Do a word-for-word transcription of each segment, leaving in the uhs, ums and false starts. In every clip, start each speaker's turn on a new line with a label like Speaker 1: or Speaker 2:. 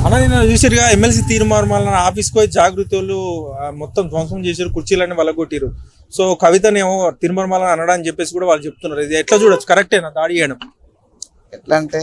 Speaker 1: అన్న నేను చూసారుగా ఎమ్మెల్సీ తీర్మానం ఆఫీస్కి పోయి జాగృతులు మొత్తం ధ్వంసం చేశారు, కుర్చీలన్నీ వలగొట్టిరు. సో కవితనేమో తీర్మానం అనడానికి చెప్పేసి కూడా వాళ్ళు చెప్తున్నారు. ఇది ఎట్లా చూడొచ్చు, కరెక్టేనా దాడి చేయడం?
Speaker 2: ఎట్లా అంటే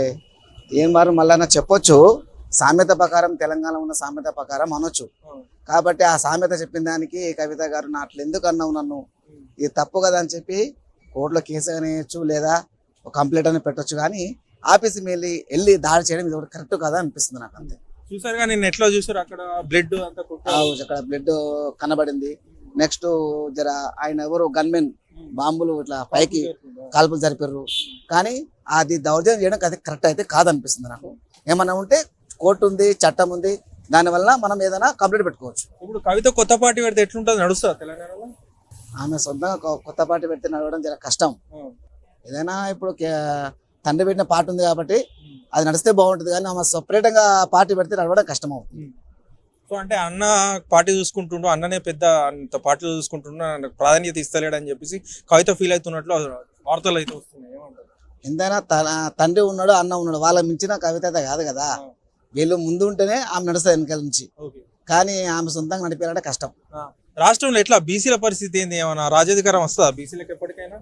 Speaker 2: ఏం మారు మళ్ళా చెప్పొచ్చు, సామెత ప్రకారం తెలంగాణ ఉన్న సామెత ప్రకారం అనొచ్చు. కాబట్టి ఆ సామెత చెప్పిన దానికి కవిత గారు నా అట్లా ఎందుకు అన్నావు నన్ను, ఇది తప్పు కదా అని చెప్పి కోర్టులో కేసు అనేయచ్చు, లేదా ఒక కంప్లైంట్ అని పెట్టొచ్చు. కానీ ఆఫీస్కి వెళ్ళి వెళ్ళి దాడి చేయడం ఇది ఒకటి కరెక్ట్ కదా అనిపిస్తుంది నాకు. అంతే.
Speaker 1: చూసారుగా నేను ఎట్లా చూసారు, అక్కడ బ్లడ్ అంతా
Speaker 2: అక్కడ బ్లడ్ కనబడింది. నెక్స్ట్ జర ఆయన ఎవరు గన్మెన్ బాంబులు ఇట్లా పైకి కాల్పులు జరిపారు. కానీ అది దౌర్జన్యం చేయడం అది కరెక్ట్ అయితే కాదనిపిస్తుంది నాకు. ఏమన్నా ఉంటే కోర్టు ఉంది, చట్టం ఉంది, దానివల్ల మనం ఏదైనా కంప్లైంట్ పెట్టుకోవచ్చు.
Speaker 1: ఇప్పుడు కవిత కొత్త పార్టీ పెడితే ఎట్లుంటుంది, నడుస్తా తెలంగాణలో?
Speaker 2: ఆమె సొంతంగా కొత్త పార్టీ పెడితే నడవడం చాలా కష్టం. ఏదైనా ఇప్పుడు తండ్రి పెట్టిన పార్టీ ఉంది కాబట్టి అది నడిస్తే బాగుంటుంది. కానీ ఆమె సపరేట్గా పార్టీ పెడితే నడవడం కష్టం అవుతుంది.
Speaker 1: సో అంటే అన్న పార్టీ చూసుకుంటుండు, అన్ననే పెద్ద అంత పార్టీలు చూసుకుంటుండు, ప్రాధాన్యత ఇస్తలేడు అని చెప్పేసి కవిత ఫీల్ అవుతున్నట్లు వార్తలు అయితే వస్తున్నాయి.
Speaker 2: ఎంతైనా తన తండ్రి ఉన్నాడు, అన్న ఉన్నాడు, వాళ్ళ మించిన కవిత అయితే కాదు కదా. వీళ్ళు ముందు ఉంటేనే ఆమె నడుస్తుంది వెనకాల నుంచి. కానీ ఆమె సొంతంగా నడిపేయాలంటే కష్టం.
Speaker 1: రాష్ట్రంలో ఎట్లా బీసీల పరిస్థితి ఏంది, ఏమన్నా రాజ్యాధికారం వస్తుందా బీసీలకు ఎప్పటికైనా?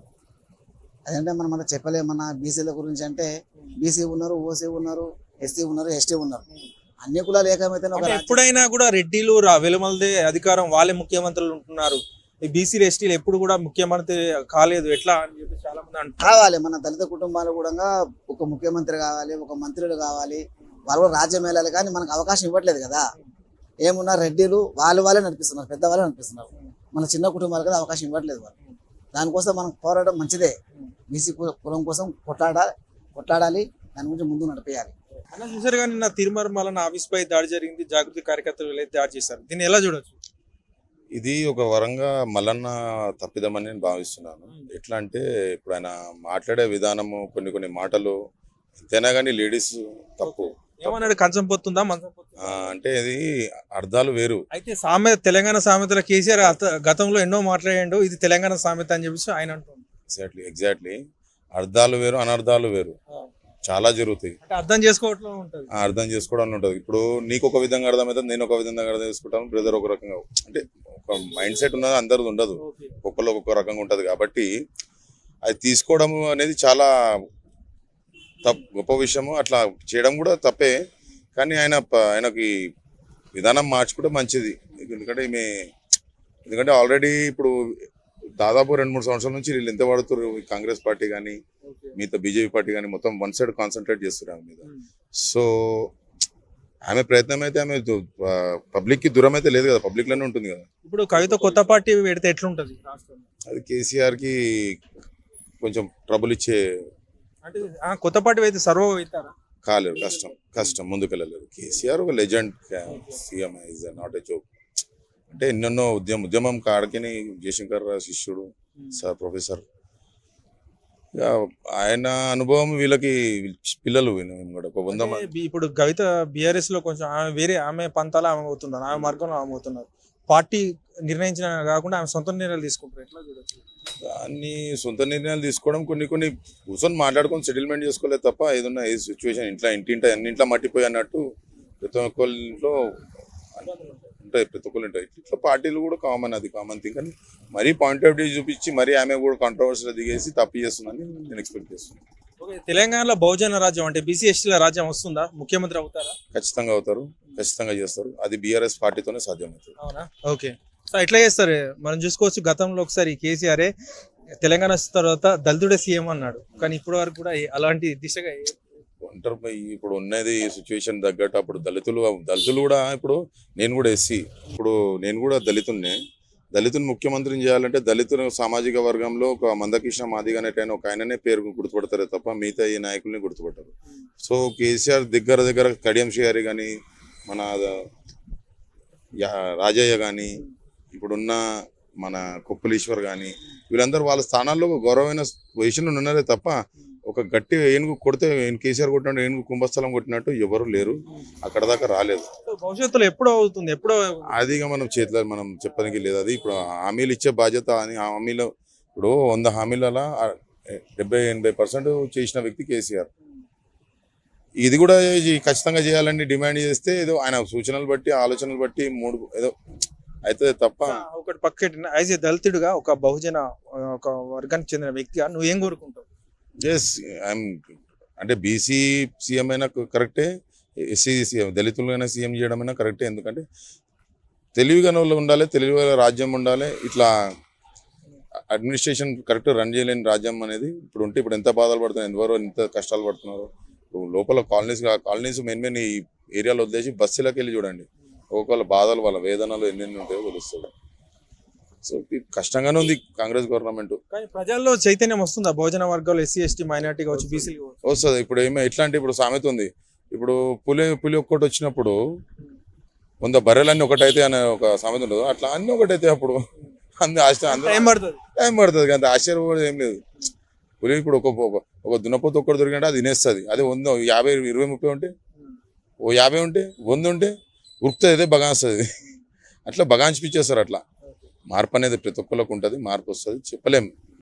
Speaker 2: అదంటే మనం అంతా చెప్పలేమన్నా బీసీల గురించి. అంటే బీసీ ఉన్నారు, ఓసీ ఉన్నారు, ఎస్సీ ఉన్నారు, ఎస్టీ ఉన్నారు, అన్ని కులాలు ఏకమైతే
Speaker 1: ఎప్పుడైనా కూడా రెడ్డిలు వెలుమలదే అధికారం, వాళ్ళే ముఖ్యమంత్రులు ఉంటున్నారు. ఈ బీసీలు ఎస్టీలు ఎప్పుడు కూడా ముఖ్యమంత్రి కాలేదు, ఎట్లా అని చెప్పి చాలా మంది అంటారు.
Speaker 2: కావాలి, మన దళిత కుటుంబాలు కూడా ఒక ముఖ్యమంత్రి కావాలి, ఒక మంత్రులు కావాలి, వాళ్ళు కూడా రాజ్యం వెళ్ళాలి. కానీ మనకు అవకాశం ఇవ్వట్లేదు కదా. ఏమున్నా రెడ్డిలు వాళ్ళు వాళ్ళే నడిపిస్తున్నారు, పెద్దవాళ్ళే నడిపిస్తున్నారు. మన చిన్న కుటుంబాలు కదా అవకాశం ఇవ్వట్లేదు వాళ్ళు. దానికోసం మనం పోరాడడం మంచిదే. బీసీ కులం కోసం కొట్లాడాలి కొట్లాడాలి దాని గురించి ముందు నడిపేయాలి.
Speaker 1: అన్న చూసారు కానీ నా తిరుమల ఆఫీస్ పై దాడి జరిగింది, జాగృతి కార్యకర్తలు దాడి చేశారు, దీన్ని ఎలా చూడొచ్చు?
Speaker 3: ఇది ఒక వరంగా మల్లన్న తప్పిదమని నేను భావిస్తున్నాను. ఎట్లా అంటే ఇప్పుడు ఆయన మాట్లాడే విధానము, కొన్ని కొన్ని మాటలు ఎంతైనా కానీ లేడీస్ తప్పు
Speaker 1: ఏమన్నాడు, కంచం పోతుందా మంచం పోతుందా
Speaker 3: అంటే ఇది అర్థాలు వేరు.
Speaker 1: అయితే సామెత తెలంగాణ సామెతల కేసీఆర్ గతంలో ఎన్నో మాట్లాడాడు, ఇది తెలంగాణ సామెత అని చెప్పేసి ఆయన అంటున్నాడు.
Speaker 3: ఎగ్జాక్ట్లీ ఎగ్జాక్ట్లీ అర్థాలు వేరు, అనర్థాలు వేరు, చాలా జరుగుతాయి.
Speaker 1: అర్థం చేసుకోవడం ఉంటుంది,
Speaker 3: అర్థం చేసుకోవడం ఉంటుంది. ఇప్పుడు నీకు ఒక విధంగా అర్థమవుతుంది, నేను ఒక విధంగా అర్థం చేసుకుంటాను, బ్రదర్ ఒక రకంగా. అంటే ఒక మైండ్ సెట్ ఉన్నది అందరిది ఉండదు, ఒక్కొక్కరు ఒక్కొక్క రకంగా ఉంటుంది. కాబట్టి అది తీసుకోవడం అనేది చాలా తప్పు, గొప్ప విషయము. అట్లా చేయడం కూడా తప్పే. కానీ ఆయన ఆయనకి విధానం మార్చుకుంటే మంచిది. ఎందుకంటే ఈమె ఎందుకంటే ఆల్రెడీ ఇప్పుడు దాదాపు రెండు మూడు సంవత్సరాల నుంచి వీళ్ళు ఎంత పడుతున్నారు, కాంగ్రెస్ పార్టీ కానీ మిగతా బీజేపీ పార్టీ కానీ మొత్తం వన్ సైడ్ కాన్సన్ట్రేట్ చేస్తున్నారు ఆమె మీద. సో ఆమె ప్రయత్నం అయితే ఆమె పబ్లిక్ కి దూరం అయితే లేదు కదా, పబ్లిక్ లోనే ఉంటుంది కదా.
Speaker 1: ఇప్పుడు కవిత కొత్త పార్టీ పెడితే ఎట్లుంటది?
Speaker 3: అది కేసీఆర్ కి కొంచెం ట్రబుల్ ఇచ్చే.
Speaker 1: అంటే కొత్త పార్టీ అయితే సర్వ అవుతారా?
Speaker 3: కాలేరు, కష్టం కష్టం ముందుకు వెళ్ళలేరు. కేసీఆర్ ఒక legend CM, is not a joke. అంటే ఎన్నెన్నో ఉద్యమం ఉద్యమం కాడికి జయశంకర్ శిష్యుడు సార్ ప్రొఫెసర్. ఆయన అనుభవం వీళ్ళకి పిల్లలు కూడా ఒక వంద మంది.
Speaker 1: ఇప్పుడు కవిత బీఆర్ఎస్ లో కొంచెం ఆమె వేరే ఆమె పంతాలు ఆమె అవుతున్నారు, ఆమె మార్గంలో ఆమె అవుతున్నారు. పార్టీ నిర్ణయించిన కాకుండా ఆమె సొంత నిర్ణయాలు తీసుకుంటారు, ఎట్లా చూడొచ్చు?
Speaker 3: దాన్ని సొంత నిర్ణయాలు తీసుకోవడం, కొన్ని కొన్ని కూర్చొని మాట్లాడుకొని సెటిల్మెంట్ చేసుకోలేదు తప్ప ఏదన్నా ఏ సిచ్యువేషన్ ఇంట్లో ఇంటింట అన్నింట్లో మట్టిపోయి అన్నట్టు ప్రతి ఒక్కరింట్లో ఉంటాయి, ప్రతి ఒక్కరు ఉంటాయి. ఇట్లా పార్టీలు కూడా కామన్, అది కామన్ థింగ్. కానీ మరీ పాయింట్ ఆఫ్ వ్యూ చూపించి మరీ ఆమె కూడా కాంట్రవర్సీలో దిగేసి తప్పు చేస్తుందని నేను ఎక్స్పెక్ట్ చేస్తున్నాను.
Speaker 1: తెలంగాణలో బహుజన రాజ్యం అంటే బీసీ ఎస్టీల రాజ్యం వస్తుందా? ముఖ్యమంత్రి అవుతారా?
Speaker 3: ఖచ్చితంగా అవుతారు, ఖచ్చితంగా చేస్తారు. అది బీఆర్ఎస్ పార్టీతోనే సాధ్యమవుతుంది.
Speaker 1: అవునా? ఓకే. సో ఎట్లా చేస్తారు మనం చూసుకోవచ్చు. గతంలో ఒకసారి కేసీఆర్ తెలంగాణ తర్వాత దళితుడే సీఎం అన్నాడు, కానీ ఇప్పటి వరకు కూడా అలాంటి దిశగా
Speaker 3: ఒంటరి ఇప్పుడు ఉన్నది సిచ్యువేషన్ తగ్గట్టు. అప్పుడు దళితులు దళితులు కూడా, ఇప్పుడు నేను కూడా ఎస్సీ, ఇప్పుడు నేను కూడా దళితున్నే. దళితుని ముఖ్యమంత్రిని చేయాలంటే దళితుల సామాజిక వర్గంలో ఒక మందకృష్ణ మాదిగ అనేటైన ఒక ఆయననే పేరు గుర్తుపడతారే తప్ప మిగతా ఈ నాయకుల్ని గుర్తుపడతారు. సో కేసీఆర్ దగ్గర దగ్గర కడియం శ్రీహరి కానీ, మన రాజయ్య కానీ, ఇప్పుడున్న మన కొప్పులీశ్వర్ కానీ, వీళ్ళందరూ వాళ్ళ స్థానాల్లో గౌరవమైన పొజిషన్లో ఉన్నారే తప్ప ఒక గట్టి ఏనుగు కొడితే కేసీఆర్ కొట్టినట్టు ఏనుగు కుంభస్థలం కొట్టినట్టు ఎవరు లేరు, అక్కడ దాకా రాలేదు.
Speaker 1: భవిష్యత్తులో ఎప్పుడో అవుతుంది, ఎప్పుడో
Speaker 3: అది మనం చేతిలో మనం చెప్పడానికి లేదు. అది ఇప్పుడు హామీలు ఇచ్చే బాధ్యత అని హామీలో ఇప్పుడు వంద హామీలలో డెబ్బై ఎనభై పర్సెంట్ చేసిన వ్యక్తి కేసీఆర్. ఇది కూడా ఈ ఖచ్చితంగా చేయాలని డిమాండ్ చేస్తే ఏదో ఆయన సూచనలు బట్టి ఆలోచనలు బట్టి మూడు ఏదో అయితే తప్ప
Speaker 1: ఒకటి పక్కటి యాజ్ ఏ దళితుడిగా ఒక బహుజన ఆ, ఒక వర్గానికి చెందిన వ్యక్తిగా నువ్వు ఏం కోరుకుంటావు?
Speaker 3: ఎస్ ఐఎమ్ అంటే బీసీ సీఎం అయినా కరెక్టే, ఎస్సీ సీఎం దళితులైనా సీఎం చేయడం అయినా కరెక్టే. ఎందుకంటే తెలివిగా వాళ్ళు ఉండాలి, తెలివిగా రాజ్యం ఉండాలి. ఇట్లా అడ్మినిస్ట్రేషన్ కరెక్ట్ రన్ చేయలేని రాజ్యం అనేది ఇప్పుడు ఉంటే ఇప్పుడు ఎంత బాధలు పడుతున్నారు, ఎంతవరకు ఎంత కష్టాలు పడుతున్నారు. ఇప్పుడు లోపల కాలనీస్ కాలనీస్ మెయిన్ మెయిన్ ఈ ఏరియాలో వదిలేసి బస్సులకు వెళ్ళి చూడండి, ఒక్కొక్కళ్ళ బాధలు వాళ్ళ వేదనలు ఎన్నెన్ని ఉంటాయో తెలుస్తుంది. సో ఇది కష్టంగానే ఉంది కాంగ్రెస్ గవర్నమెంట్.
Speaker 1: కానీ ప్రజల్లో చైతన్యం వస్తుందా? భోజన వర్గాలు ఎస్సీ ఎస్టీ మైనార్టీ కావచ్చు, బీసీలు కావచ్చు.
Speaker 3: వస్తుంది. ఇప్పుడు ఏమో ఎట్లా అంటే ఇప్పుడు సామెత ఉంది, ఇప్పుడు పులి పులి ఒక్కటి వచ్చినప్పుడు వంద బర్రెలన్నీ ఒకటైతే అనే ఒక సామెత ఉండదు, అట్లా అన్ని ఒకటైతే అప్పుడు అందు ఆశ్చర్యం అందరూ
Speaker 1: టైం పడుతుంది.
Speaker 3: టైం పడుతుంది కానీ ఆశ్చర్యం ఏం లేదు. పులి ఇప్పుడు ఒక ఒక- ఒక దున్నపోతు ఒక్కటి దొరికినట్టు అది తినేస్తుంది. అదే వంద యాభై ఇరవై ముప్పై ఉంటే ఓ యాభై ఉంటే వంద ఉంటే ఉరుకుతుంది, అదే బగాస్తుంది. అట్లా బగాంచిపిచ్చేస్తారు. అట్లా మార్పు అనేది ప్రతి ఒక్కరికి ఉంటుంది, మార్పు వస్తుంది చెప్పలేం.